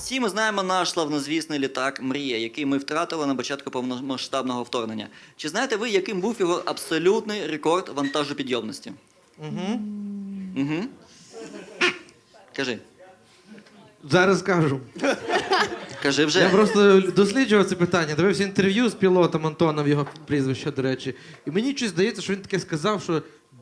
Всі ми знаємо наш славнозвісний літак «Мрія», який ми втратили на початку повномасштабного вторгнення. Чи знаєте ви, яким був його абсолютний рекорд вантажопідйомності? Угу. Кажи. Зараз скажу. Кажи вже. Я просто досліджував це питання, дивився інтерв'ю з пілотом Антоном, його прізвище, до речі. І мені щось здається, що він таке сказав, що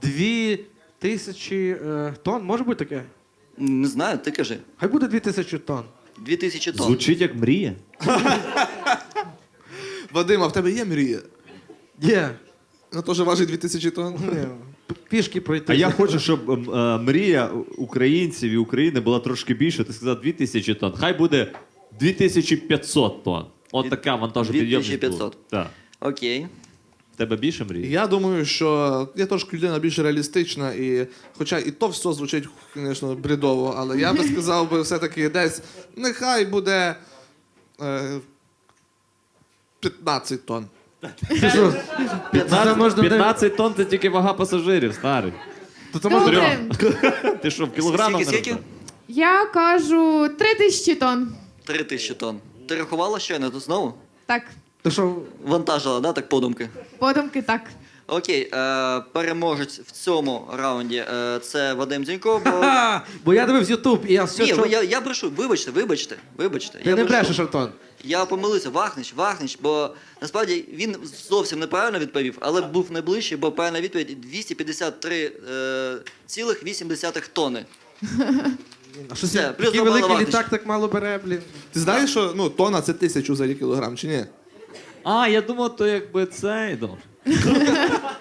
2000 тонн, може бути таке? Не знаю, ти кажи. Хай буде 2000 тонн. 2000 тонн. Звучить як мрія. Вадим, а в тебе є мрія? Є. Вона теж важить 2000 тонн? Ні, пішки пройти. А я хочу, щоб мрія українців і України була трошки більше. Ти сказав 2000 тонн. Хай буде 2500 тонн. От така вантажопідйомність. 2500. Так. Окей. В тебе більше мрії? Я думаю, що я трошки людина більш реалістична, і хоча і то все звучить, звісно, бредово, але я би сказав би все-таки десь, нехай буде 15 тонн. Ти що? Це можна 15 тонн це тільки вага пасажирів, старий. То це можна... Добре. Ти що, в кілограмах? Скільки? Я кажу 3000 тонн. 3000 тонн. Ти рахувала щойно тут знову? Так, То що? Вантажила, да, так подумки? подумки так. Окей, переможець в цьому раунді це Вадим Дзюнько, бо... Бо я дивився Ютуб, і я все... Ні, я брешу, вибачте. Ти Я не брешу. брешеш, Антон. Я помилився, Вахнич, бо насправді він зовсім неправильно відповів, але був найближчий, бо правильна відповідь 253,8 тонни. А що Все, це? плюс Такий два бали великий Вахнич. літак так мало бере, блін. Ти знаєш, що ну, тонна це 1000 за кілограм, чи ні? А, я думав, то якби цей. Добре.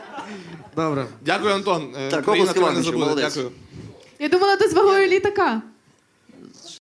Добре. Дякую, Антон. Так, Країна обласки тебе не Вагничу, забуде. молодець. Дякую. Я думала, ти з вагою літака.